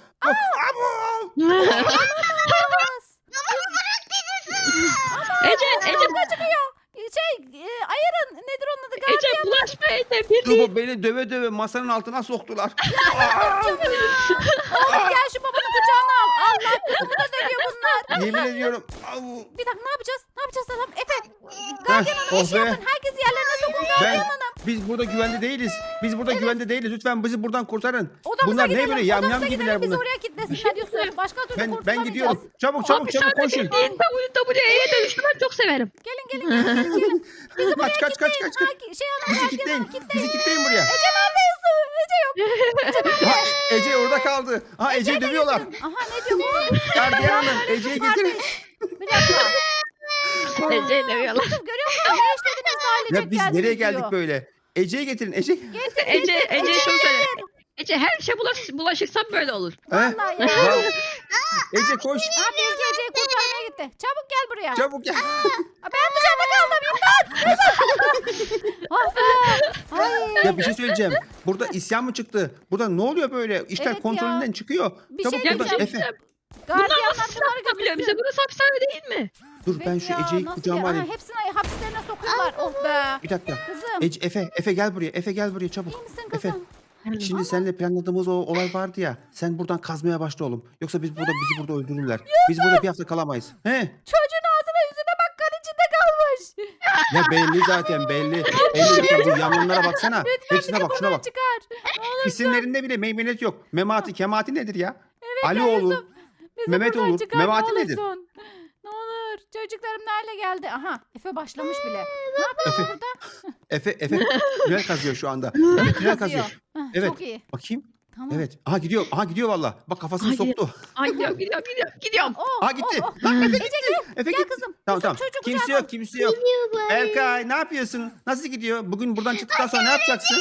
Speaker 3: Abo!
Speaker 1: olmaz.
Speaker 2: Ece, Ece,
Speaker 1: Çıkıyor. Şey e, ayırın nedir onun adı?
Speaker 2: Ece bulaşma Ece. Bir değil.
Speaker 3: Tuğba beni döve döve masanın altına soktular.
Speaker 1: Oğlum gel şu babanın kucağına al. Allah kızımı da dövüyor bunlar.
Speaker 3: Yemin ediyorum. Au.
Speaker 1: Bir dakika ne yapacağız? Ne yapacağız adam? Efe.
Speaker 3: Heh,
Speaker 1: Gardiyan hanım
Speaker 3: oh
Speaker 1: iş
Speaker 3: be.
Speaker 1: yapın. Herkes yerlerine sokun
Speaker 3: Ben,
Speaker 1: gardiyan hanım.
Speaker 3: biz burada güvende değiliz. Biz burada güvende değiliz. Lütfen bizi buradan kurtarın.
Speaker 1: Odamıza
Speaker 3: Bunlar
Speaker 1: gidelim.
Speaker 3: ne böyle yamyam
Speaker 1: Odamıza
Speaker 3: gibiler
Speaker 1: gidelim. Bizi
Speaker 3: bunlar.
Speaker 1: oraya kilitlesinler Yusuf. Başka türlü
Speaker 3: Ben ben
Speaker 1: kurtulamayacağız.
Speaker 3: gidiyorum. Çabuk çabuk çabuk koşun.
Speaker 2: Değil. W W E'ye dönüştü ben çok severim.
Speaker 1: Gelin gelin gelin gelin. gelin. Bizi buraya
Speaker 3: Kaç kaç kaç
Speaker 1: kilitleyin.
Speaker 3: kaç kaç.
Speaker 1: Ha, ki- şey hanım
Speaker 3: Bizi
Speaker 1: gardiyan
Speaker 3: kilitleyin.
Speaker 1: hanım kilitleyin.
Speaker 3: Bizi kilitleyin buraya.
Speaker 1: Ece nerede Yusuf? Ece yok.
Speaker 3: Ha, Ece orada kaldı. Ha Ece'yi dövüyorlar.
Speaker 1: Aha ne diyor bu?
Speaker 3: Gardiyan hanım Ece'yi getirin.
Speaker 1: Bir dakika.
Speaker 2: Ece demiyorlar.
Speaker 1: Yusuf görüyor musun? Ne işlediniz de ailecek
Speaker 3: Ya biz
Speaker 1: geldiniz
Speaker 3: nereye geldik
Speaker 1: diyor.
Speaker 3: böyle? Ece'yi getirin. Ece.
Speaker 2: Ece, Ece şunu söyle. Ece her işe bulaş, bulaşırsam böyle olur.
Speaker 3: He?
Speaker 1: Vallahi ya.
Speaker 3: Ya, Ece koş.
Speaker 1: Ha Bilge Ece'yi kurtarmaya gitti. Çabuk gel buraya.
Speaker 3: Çabuk gel.
Speaker 1: Aa, ben dışarıda kaldım imdat. Ah be. Ay.
Speaker 3: Ya bir şey söyleyeceğim. Burada isyan mı çıktı? Burada ne oluyor böyle? İşler
Speaker 1: Evet ya.
Speaker 3: kontrolünden çıkıyor.
Speaker 1: Bir
Speaker 3: Çabuk
Speaker 1: şey
Speaker 3: burada
Speaker 1: diyeceğim.
Speaker 3: Efe.
Speaker 2: Bunlar
Speaker 1: Gardiyanlar
Speaker 2: nasıl silah
Speaker 1: bunları
Speaker 2: tutabiliyor bize?
Speaker 1: götürsün.
Speaker 2: Burası hapishane değil mi?
Speaker 3: Dur ben
Speaker 1: Evet
Speaker 3: şu
Speaker 1: ya,
Speaker 3: Ece'yi
Speaker 1: nasıl
Speaker 3: kucağıma
Speaker 1: ya?
Speaker 3: alayım.
Speaker 1: Aha, hepsini hapislerine sokuyorlar. Oh be.
Speaker 3: Bir dakika.
Speaker 1: Kızım.
Speaker 3: Ece, Efe, Efe gel buraya. Efe gel buraya çabuk.
Speaker 1: İyi misin
Speaker 3: Efe.
Speaker 1: kızım?
Speaker 3: Şimdi seninle planladığımız o olay vardı ya. Sen buradan kazmaya başla oğlum. Yoksa biz burada bizi burada öldürürler. Biz burada bir hafta kalamayız. He?
Speaker 1: Çocuğun ağzına yüzüne bak kan içinde kalmış.
Speaker 3: Ya belli zaten belli. Belli zaten bu yangınlara baksana. Hepsine bak şuna
Speaker 1: Buradan
Speaker 3: bak.
Speaker 1: çıkar. Ne olur
Speaker 3: İsimlerinde bile meymenet yok. Memati, Kemati nedir ya?
Speaker 1: ya
Speaker 3: Alioğlu.
Speaker 1: Yusuf, bizi
Speaker 3: Mehmet
Speaker 1: buradan
Speaker 3: olur.
Speaker 1: çıkar,
Speaker 3: Memati
Speaker 1: ne
Speaker 3: nedir?
Speaker 1: olursun. Ne olur. Çocuklarım nerede geldi? Aha Efe başlamış bile. Ne yapıyorsun
Speaker 3: Efe.
Speaker 1: burada?
Speaker 3: Efe, Efe tünel kazıyor şu anda. Efe tünel kazıyor.
Speaker 1: Heh,
Speaker 3: Evet.
Speaker 1: Çok iyi.
Speaker 3: Bakayım.
Speaker 1: Tamam.
Speaker 3: Evet. Aha gidiyor. Aha gidiyor valla. Bak kafasını
Speaker 2: Aha,
Speaker 3: soktu.
Speaker 2: Ay gidiyorum gidiyorum gidiyorum. Gidiyorum.
Speaker 1: Oh,
Speaker 3: Aha gitti.
Speaker 1: oh, oh.
Speaker 3: Lan Efe
Speaker 1: Ece
Speaker 3: gitti.
Speaker 1: gel.
Speaker 3: Efe
Speaker 1: Gel
Speaker 3: gitti.
Speaker 1: kızım.
Speaker 3: Tamam
Speaker 1: Yusuf,
Speaker 3: tamam.
Speaker 1: çocuğu
Speaker 3: Kimse
Speaker 1: kucağına al.
Speaker 3: yok kimse yok.
Speaker 4: Geliyor bari.
Speaker 3: Berkay ne yapıyorsun? Nasıl gidiyor? Bugün buradan çıktıktan sonra ne yapacaksın?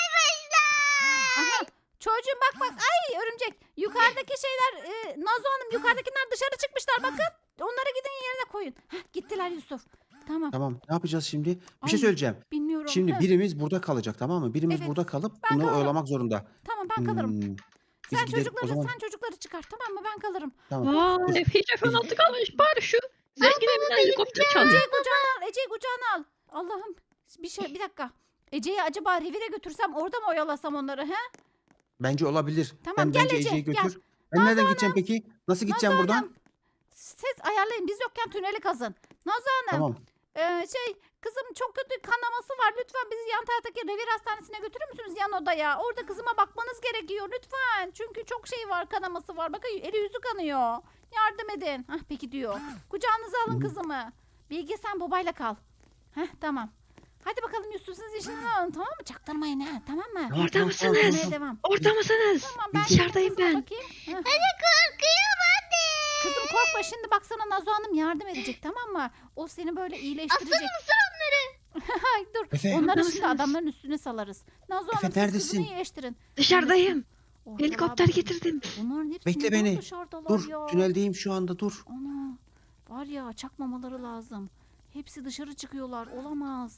Speaker 1: Aha. Çocuğum bak bak. Ay örümcek. Yukarıdaki şeyler e, Nazo Hanım yukarıdakiler dışarı çıkmışlar bakın. Onları gidin yerine koyun. Heh, gittiler Yusuf. Tamam.
Speaker 3: Tamam. Ne yapacağız şimdi? Bir
Speaker 1: Ay,
Speaker 3: şey söyleyeceğim.
Speaker 1: Bilmiyorum.
Speaker 3: Şimdi
Speaker 1: Heh,
Speaker 3: birimiz burada kalacak tamam mı? Birimiz
Speaker 1: Evet,
Speaker 3: burada kalıp
Speaker 1: ben
Speaker 3: bunları
Speaker 1: kalırım.
Speaker 3: oyalamak zorunda.
Speaker 1: Tamam ben kalırım.
Speaker 3: Hmm, Biz
Speaker 1: Sen
Speaker 3: gidelim
Speaker 1: çocukları
Speaker 3: o zaman.
Speaker 1: sen çocukları çıkar tamam mı? Ben kalırım.
Speaker 3: Tamam.
Speaker 2: Vay Efe hiç F on altı kalmış. Bari şu zengin evinden helikopter çalıyor.
Speaker 1: Ece'yi kucağına al. Ece'yi kucağına al. Allah'ım. Bir şey bir dakika. Ece'yi acaba revire götürsem orada mı oyalasam onları he?
Speaker 3: Bence olabilir.
Speaker 1: Tamam,
Speaker 3: ben
Speaker 1: gel
Speaker 3: bence
Speaker 1: Ece,
Speaker 3: Ece'yi
Speaker 1: gel.
Speaker 3: götür. Ben nereden gideceğim peki? Nasıl gideceğim
Speaker 1: Nazo
Speaker 3: buradan?
Speaker 1: Hanım, Siz ayarlayın. Biz yokken tüneli kazın. Nazo Hanım.
Speaker 3: Tamam.
Speaker 1: e, şey kızım çok kötü kanaması var. Lütfen bizi yan taraftaki revir hastanesine götürür müsünüz yan odaya? Orada kızıma bakmanız gerekiyor lütfen. Çünkü çok şey var kanaması var. Bakın eli yüzü kanıyor. Yardım edin. Hah peki diyor. Kucağınıza alın
Speaker 3: Hı.
Speaker 1: kızımı. Bilge sen babayla kal. Heh tamam. Hadi bakalım Yusuf siz işinizi alın tamam mı? Çaktırmayın ha tamam mı?
Speaker 3: Tamam,
Speaker 2: Orada
Speaker 3: tamam,
Speaker 2: mısınız?
Speaker 3: tamam,
Speaker 1: Demeye
Speaker 3: tamam.
Speaker 1: devam.
Speaker 2: Orada mısınız?
Speaker 1: Tamam ben
Speaker 2: Dışarıdayım
Speaker 1: kızıma
Speaker 2: ben.
Speaker 1: bakayım. Heh.
Speaker 4: Hadi korkuyorum hadi.
Speaker 1: Kızım korkma şimdi bak sana Nazo Hanım yardım edecek tamam mı? O seni böyle iyileştirecek.
Speaker 4: Aslanım onları.
Speaker 1: Ay dur
Speaker 3: Efe.
Speaker 1: onları
Speaker 2: Orada
Speaker 1: şimdi
Speaker 2: mısınız?
Speaker 1: adamların üstüne salarız. Nazo
Speaker 3: Efe,
Speaker 1: Hanım siz
Speaker 3: neredesin?
Speaker 1: kızını iyileştirin.
Speaker 2: Dışarıdayım.
Speaker 1: Ortalığa
Speaker 2: Helikopter
Speaker 1: bakın.
Speaker 2: getirdim.
Speaker 1: Bunların hepsi
Speaker 3: Bekle
Speaker 1: neden
Speaker 3: beni.
Speaker 1: dışarıdalar
Speaker 3: Dur.
Speaker 1: ya?
Speaker 3: Tüneldeyim şu anda dur.
Speaker 1: Ana var ya çakmamaları lazım. Hepsi dışarı çıkıyorlar olamaz.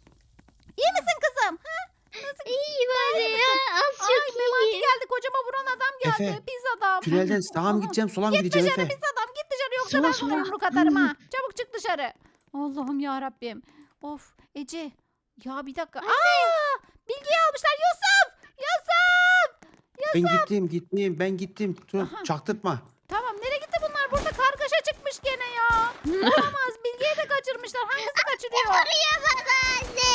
Speaker 1: İyi misin kızım? Ha? Nasıl?
Speaker 4: İyi bari ya. Az
Speaker 1: Ay
Speaker 4: çok
Speaker 1: Memati
Speaker 4: iyi.
Speaker 1: geldi kocama vuran adam geldi.
Speaker 3: Efe,
Speaker 1: Pis adam.
Speaker 3: Tünelden sağa mı
Speaker 1: Aha.
Speaker 3: gideceğim sola mı
Speaker 1: Git
Speaker 3: gideceğim
Speaker 1: dışarı
Speaker 3: Efe?
Speaker 1: pis adam git dışarı yoksa
Speaker 2: Sola,
Speaker 1: ben
Speaker 2: sola.
Speaker 1: sana yumruk atarım ha. Çabuk çık dışarı. Allah'ım ya Rabbim. Of Ece. Ya bir dakika. Aa! Bilgiyi almışlar Yusuf. Yusuf.
Speaker 3: Ben gittim gittim ben gittim. Dur,
Speaker 1: Aha.
Speaker 3: çaktırtma.
Speaker 1: Tamam nereye gitti bunlar? Burada kargaşa çıkmış gene ya. Olamaz. Bilgiyi de kaçırmışlar. Hangisi kaçırıyor?
Speaker 4: Koruyamaz anne.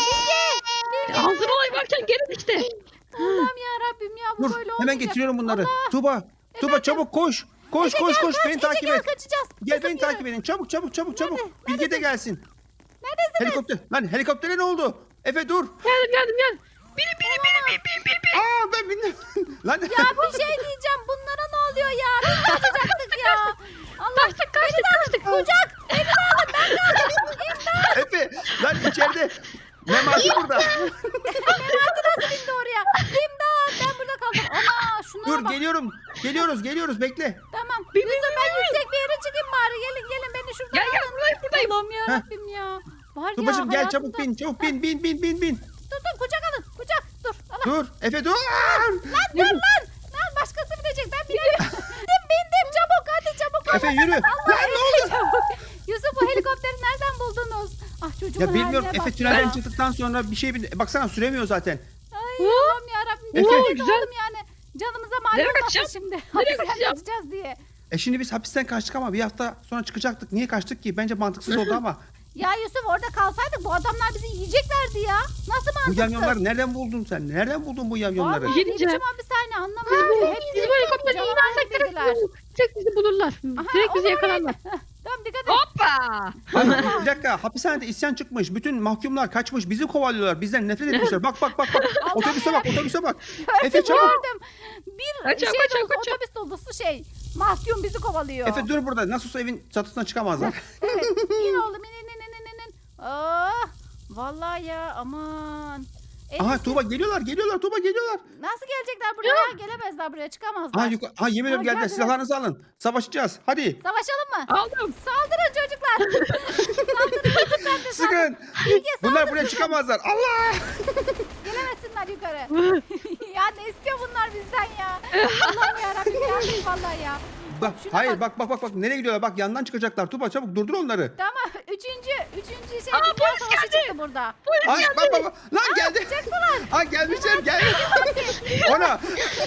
Speaker 2: Hazır olay varken gelin işte.
Speaker 1: Allah'ım ya Rabbim ya bu
Speaker 3: Dur
Speaker 1: böyle
Speaker 3: hemen
Speaker 1: olmayacak.
Speaker 3: getiriyorum bunları.
Speaker 1: Allah.
Speaker 3: Tuba. Tuba çabuk koş. Koş
Speaker 1: Ece
Speaker 3: koş
Speaker 1: gel,
Speaker 3: koş
Speaker 1: kaç.
Speaker 3: beni
Speaker 1: Ece
Speaker 3: takip
Speaker 1: gel
Speaker 3: et.
Speaker 1: kaçacağız.
Speaker 3: Gel
Speaker 1: Kızım,
Speaker 3: beni
Speaker 1: yürü.
Speaker 3: takip edin. Çabuk çabuk çabuk çabuk. Bilge de gelsin.
Speaker 1: Neredesiniz?
Speaker 3: Helikopter. Lan helikoptere ne oldu? Efe dur.
Speaker 2: Geldim geldim geldim. Biri biri biri biri biri biri. biri.
Speaker 3: Aa ben bindim. Lan
Speaker 1: Ya bir şey diyeceğim. Bunlara ne oluyor ya? Biz kaçacaktık ya. Allah.
Speaker 2: Kaçtık kaçtık kaçtık.
Speaker 1: Kucak. Beni de alın. Ben de alın. İmdat.
Speaker 3: Efe lan içeride. Memati burada.
Speaker 1: Memati nasıl bindi oraya? İmdat. Ben burada kaldım. Ana şunlara
Speaker 3: Dur
Speaker 1: bak.
Speaker 3: geliyorum. Geliyoruz geliyoruz bekle.
Speaker 1: Tamam.
Speaker 2: Bir-
Speaker 1: Yusuf ben yüksek bir yere çıkayım bari. Gelin gelin beni şuradan
Speaker 2: Gel gel
Speaker 1: alın.
Speaker 2: buradayım buradayım.
Speaker 1: Allah'ım ya
Speaker 3: Heh.
Speaker 1: Rabbim ya. Var ya
Speaker 3: Tubacım gel çabuk
Speaker 1: hayatımda-
Speaker 3: bin çabuk bin bin bin bin bin.
Speaker 1: Dur dur kucak alın. Kucak. Dur. Allah.
Speaker 3: Dur Efe dur.
Speaker 1: Lan dur lan. Lan başkası binecek. Ben binemiyorum. bindim bindim. Çabuk hadi çabuk.
Speaker 3: Efe yürü. Lan ne oldu?
Speaker 1: Çabuk. Yusuf bu helikopteri nereden buldunuz? Ah çocuğumun
Speaker 3: Ya bilmiyorum
Speaker 1: haline
Speaker 3: Efe
Speaker 1: bak
Speaker 3: tünelden
Speaker 1: ya.
Speaker 3: çıktıktan sonra bir şey bin. Baksana süremiyor zaten.
Speaker 1: Ay Allah'ım yarabbim.
Speaker 3: Efe.
Speaker 1: Efe.
Speaker 2: Güzel.
Speaker 1: Oğlum yani. Canımıza mal
Speaker 2: Nereye
Speaker 1: olmasın
Speaker 2: kaçacağım?
Speaker 1: şimdi.
Speaker 2: Nereye
Speaker 1: Hapisten
Speaker 2: kaçacağım?
Speaker 1: kaçacağız diye.
Speaker 3: E şimdi biz hapisten kaçtık ama bir hafta sonra çıkacaktık. Niye kaçtık ki? Bence mantıksız oldu ama.
Speaker 1: Ya Yusuf orada kalsaydık bu adamlar bizi yiyeceklerdi ya. Nasıl
Speaker 3: Bu
Speaker 1: mantıksız?
Speaker 3: yamyonları nereden buldun sen? Nereden buldun bu yamyonları?
Speaker 1: Vallahi
Speaker 2: Bir şey
Speaker 1: ne
Speaker 2: diyeceğim.
Speaker 1: biçim hapishane anlamıyorum. ki. Hepsi
Speaker 2: Biz bu helikopteri
Speaker 1: canavar
Speaker 2: inersek direkt,
Speaker 1: dediler.
Speaker 2: direkt bizi bulurlar.
Speaker 1: Aha,
Speaker 2: Direkt bizi
Speaker 1: olur,
Speaker 2: yakalarlar.
Speaker 1: Tamam dikkat et.
Speaker 2: Hoppa.
Speaker 3: Ay, bir dakika hapishanede isyan çıkmış. Bütün mahkumlar kaçmış. Bizi kovalıyorlar. Bizden nefret etmişler. Bak bak bak bak. Otobüse bak otobüse bak. Efe çabuk.
Speaker 1: Gördüm. Bir
Speaker 2: Kaçıyor,
Speaker 1: şey
Speaker 2: kaçıyor,
Speaker 1: dolusu,
Speaker 2: kaçıyor.
Speaker 1: otobüs dolusu şey. Mahkum bizi kovalıyor.
Speaker 3: Efe dur burada. Nasıl olsa evin çatısına çıkamazlar.
Speaker 1: Evet. İn oğlum in in in in in in. Ah, vallahi ya aman. En
Speaker 3: Aha
Speaker 1: iyisi-
Speaker 3: Tuğba geliyorlar geliyorlar Tuğba geliyorlar.
Speaker 1: Nasıl gelecekler buraya? Gelemezler buraya çıkamazlar.
Speaker 3: Aha, yuka- aha yemin ediyorum
Speaker 1: Aa,
Speaker 3: geldiler.
Speaker 1: geldiler.
Speaker 3: Silahlarınızı alın. Savaşacağız. Hadi.
Speaker 1: Savaşalım mı?
Speaker 2: Aldım.
Speaker 1: Saldırın çocuklar. Saldırın çocuklar da saldırın.
Speaker 3: Sıkın.
Speaker 1: Bilge
Speaker 3: Bunlar buraya çıkamazlar. Allah.
Speaker 1: gelemezsinler yukarı. ya ne istiyor bunlar bizden ya? Allah'ım yarabbim ya. Vallahi ya.
Speaker 3: Bak,
Speaker 1: Şuna
Speaker 3: hayır
Speaker 1: bak.
Speaker 3: bak bak bak bak nereye gidiyorlar? Bak yandan çıkacaklar. Tuğba çabuk durdur onları.
Speaker 1: Tamam. Üçüncü, üçüncü şey
Speaker 2: Aa,
Speaker 1: dünya
Speaker 2: polis
Speaker 1: savaşı
Speaker 2: geldi.
Speaker 1: çıktı burada.
Speaker 3: Ay bak bak bak. Lan geldi. Aa gelmişler gel. Ona.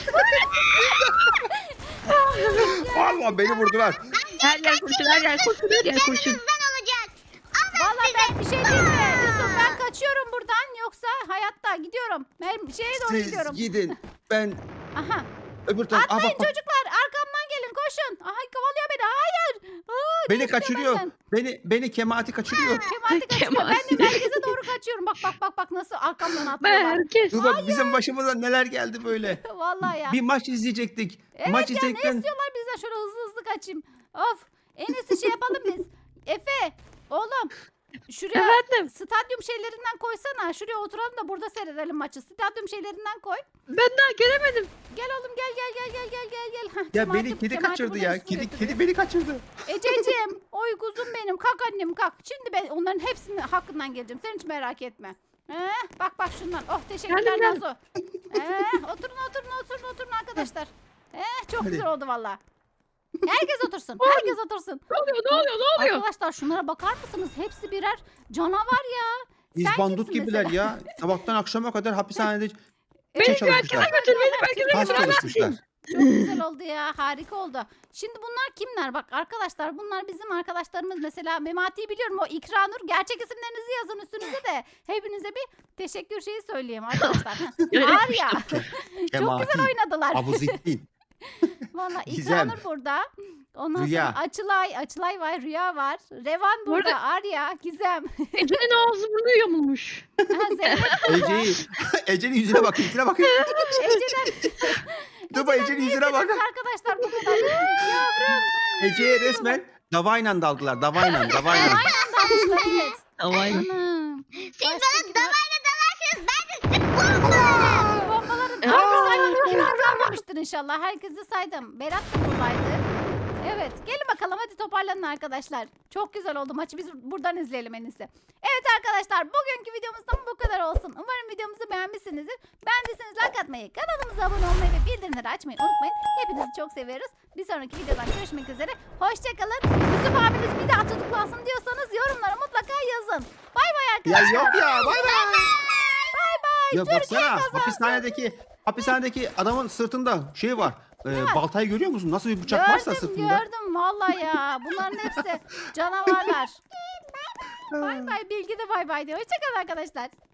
Speaker 3: Allah beni vurdular.
Speaker 2: Her yer kurşun her yer kurşun her yer kurşun.
Speaker 4: Bizden olacak.
Speaker 1: Vallahi ben bir şey diyeyim mi? Yusuf ben kaçıyorum buradan yoksa hayatta gidiyorum. Ben şeye doğru
Speaker 3: Siz
Speaker 1: gidiyorum.
Speaker 3: gidin. Ben
Speaker 1: Aha.
Speaker 3: öbür taraf. Aa,
Speaker 1: Atlayın
Speaker 3: bak, bak.
Speaker 1: çocuklar arkamdan gelin koşun. Aha kovalıyor beni hayır. Aa,
Speaker 3: Beni
Speaker 1: istiyor
Speaker 3: kaçırıyor.
Speaker 1: benden.
Speaker 3: Beni beni Kemati kaçırıyor.
Speaker 1: Kemati kaçırıyor. Ben
Speaker 2: Kemati.
Speaker 1: de merkeze doğru kaçıyorum. Bak bak bak bak nasıl arkamdan atlıyorlar.
Speaker 2: Herkes.
Speaker 3: Dur bak bizim başımıza neler geldi böyle.
Speaker 1: Vallahi ya.
Speaker 3: Bir maç izleyecektik.
Speaker 1: Evet
Speaker 3: maç
Speaker 1: ya, ne
Speaker 3: izlerken
Speaker 1: istiyorlar bizden? Şöyle hızlı hızlı kaçayım. Of. En iyisi şey yapalım biz. Efe. Oğlum. Şuraya
Speaker 2: Efendim.
Speaker 1: stadyum şeylerinden koysana. Şuraya oturalım da burada seyredelim maçı. Stadyum şeylerinden koy.
Speaker 2: Ben daha gelemedim.
Speaker 1: Gel oğlum gel gel gel gel gel gel gel. Hah,
Speaker 3: ya
Speaker 1: Kemati-
Speaker 3: beni kedi
Speaker 1: Kemati
Speaker 3: kaçırdı
Speaker 1: buradan
Speaker 3: ya.
Speaker 1: üstüne
Speaker 3: Kedi
Speaker 1: götürüyor.
Speaker 3: kedi beni kaçırdı.
Speaker 1: Ececiğim, oy kuzum benim. Kalk annem kalk. Şimdi ben onların hepsinin hakkından geleceğim. Sen hiç merak etme. Ee, bak bak şundan. Oh teşekkürler
Speaker 2: Geldim, geldim.
Speaker 1: Nazo. Ee, oturun oturun oturun oturun arkadaşlar. Ee, çok
Speaker 3: Hadi.
Speaker 1: güzel oldu valla. Herkes otursun. Herkes otursun.
Speaker 2: Ne oluyor ne oluyor ne oluyor?
Speaker 1: Arkadaşlar şunlara bakar mısınız? Hepsi birer canavar ya.
Speaker 3: Biz
Speaker 1: Sen
Speaker 3: bandut
Speaker 1: kimsin
Speaker 3: gibiler
Speaker 1: mesela?
Speaker 3: ya. Sabahtan akşama kadar hapishanede
Speaker 2: Beni
Speaker 3: şey
Speaker 2: bir erkene
Speaker 3: çalışmışlar.
Speaker 2: götür beni bir erkene
Speaker 3: Kas
Speaker 2: götür.
Speaker 3: çalışmışlar.
Speaker 1: Çok güzel oldu ya. Harika oldu. Şimdi bunlar kimler? Bak arkadaşlar bunlar bizim arkadaşlarımız. Mesela Memati'yi biliyorum. O İkranur. Gerçek isimlerinizi yazın üstünüze de. Hepinize bir teşekkür şeyi söyleyeyim arkadaşlar. Arya. Çok
Speaker 3: Kemati,
Speaker 1: güzel oynadılar.
Speaker 3: Abuzettin.
Speaker 1: Valla
Speaker 3: Gizem.
Speaker 1: İkranur burada. Ondan
Speaker 3: Rüya.
Speaker 1: sonra Açılay. Açılay var. Rüya var. Revan
Speaker 2: Bu
Speaker 1: burada.
Speaker 2: arada-
Speaker 1: Arya. Gizem.
Speaker 2: Ece'nin ağzı burnu yamulmuş.
Speaker 1: Ha, Zeynep burada.
Speaker 3: Ece'yi, Ece'nin yüzüne bakın, yüzüne bakın.
Speaker 1: Ece'den.
Speaker 3: Dur bak Ece'nin yüzüne bak.
Speaker 1: Arkadaşlar bu kadar. Yavrum.
Speaker 3: Ece'ye resmen davayla daldılar, davayla, davayla.
Speaker 1: Aynen dalmışlar evet.
Speaker 2: Havayla.
Speaker 1: Anam.
Speaker 4: Siz
Speaker 1: Başka
Speaker 4: bana
Speaker 1: gibi-
Speaker 4: davayla dalarsınız ben de size bombalarım.
Speaker 1: Bombaların
Speaker 2: Aa!
Speaker 1: aynı saymadım. Kimse kalmamıştır inşallah. Herkesi saydım. Berat da buradaydı. Evet. Gelin bakalım hadi toparlanın arkadaşlar. Çok güzel oldu maçı. Biz buradan izleyelim en iyisi. Evet arkadaşlar bugünkü videomuzdan bu kadar olsun. Umarım videomuzu beğenmişsinizdir. Beğendiyseniz like atmayı, kanalımıza abone olmayı ve bildirimleri açmayı unutmayın. Hepinizi çok seviyoruz. Bir sonraki videodan görüşmek üzere. Hoşçakalın. Yusuf abiniz bir daha tutuklansın diyorsanız yorumlara mutlaka yazın. Bay bay
Speaker 3: Ya
Speaker 1: arkadaşlar.
Speaker 3: yok ya, bay bay.
Speaker 1: Bay bay.
Speaker 3: Yok
Speaker 1: Türkiye
Speaker 3: baksana,
Speaker 1: kazansın.
Speaker 3: hapishanedeki, hapishanedeki adamın sırtında şey var. Ee,
Speaker 1: var?
Speaker 3: baltayı görüyor musun? Nasıl bir bıçak varsa
Speaker 1: Gördüm
Speaker 3: sırtında.
Speaker 1: gördüm vallahi ya. Bunların hepsi canavarlar. Bay bay. Bilgi de bay bay diyor. Hoşçakalın arkadaşlar.